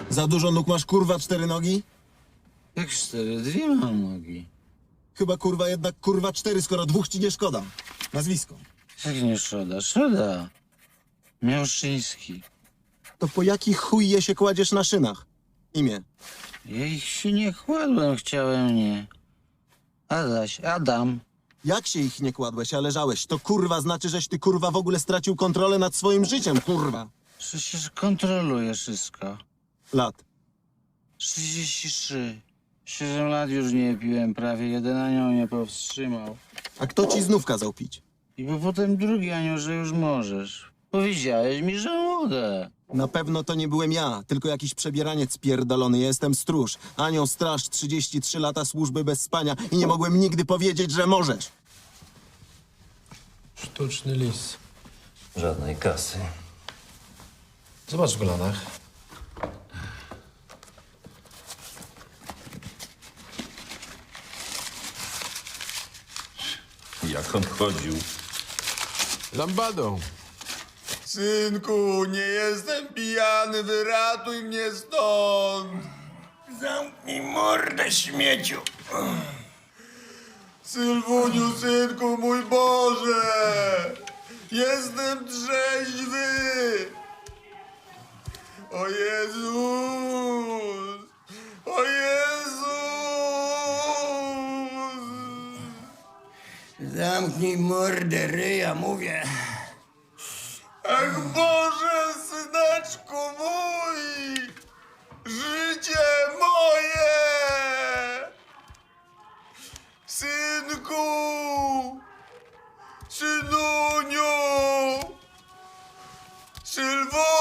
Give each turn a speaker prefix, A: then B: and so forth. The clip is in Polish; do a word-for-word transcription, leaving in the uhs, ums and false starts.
A: Za dużo nóg masz, kurwa, cztery nogi?
B: Jak cztery? Dwie mam nogi.
A: Chyba, kurwa, jednak, kurwa, cztery, skoro dwóch ci nie szkoda. Nazwisko.
B: Jak nie szkoda? Szkoda. Miałszyński.
A: To po jaki chuj je się kładziesz na szynach? Imię.
B: Ja ich się nie kładłem, chciałem nie. Adaś, Adam.
A: Jak się ich nie kładłeś, a leżałeś? To kurwa znaczy, żeś ty kurwa w ogóle stracił kontrolę nad swoim życiem, kurwa.
B: Przecież kontroluję wszystko.
A: Lat.
B: trzydzieści trzy. Siedem lat już nie piłem, prawie jeden anioł mnie powstrzymał.
A: A kto ci znów kazał pić?
B: I bo potem drugi anioł, że już możesz. Powiedziałeś mi, że mogę.
A: Na pewno to nie byłem ja, tylko jakiś przebieraniec pierdolony. Jestem stróż. Anioł straż, trzydzieści trzy lata służby bez spania i nie mogłem nigdy powiedzieć, że możesz.
C: Sztuczny lis.
D: Żadnej kasy.
C: Zobacz w kolanach.
D: Jak on chodził?
C: Lambadą.
E: Synku, nie jestem pijany, wyratuj mnie stąd!
F: Zamknij mordę, śmieciu.
E: Sylwuniu, synku, mój Boże! Jestem trzeźwy! O Jezus! O Jezus!
F: Zamknij mordę, ryja, mówię.
E: Ach Boże, syneczku mój! Życie moje! Synku! Synuniu! Sylwuniu!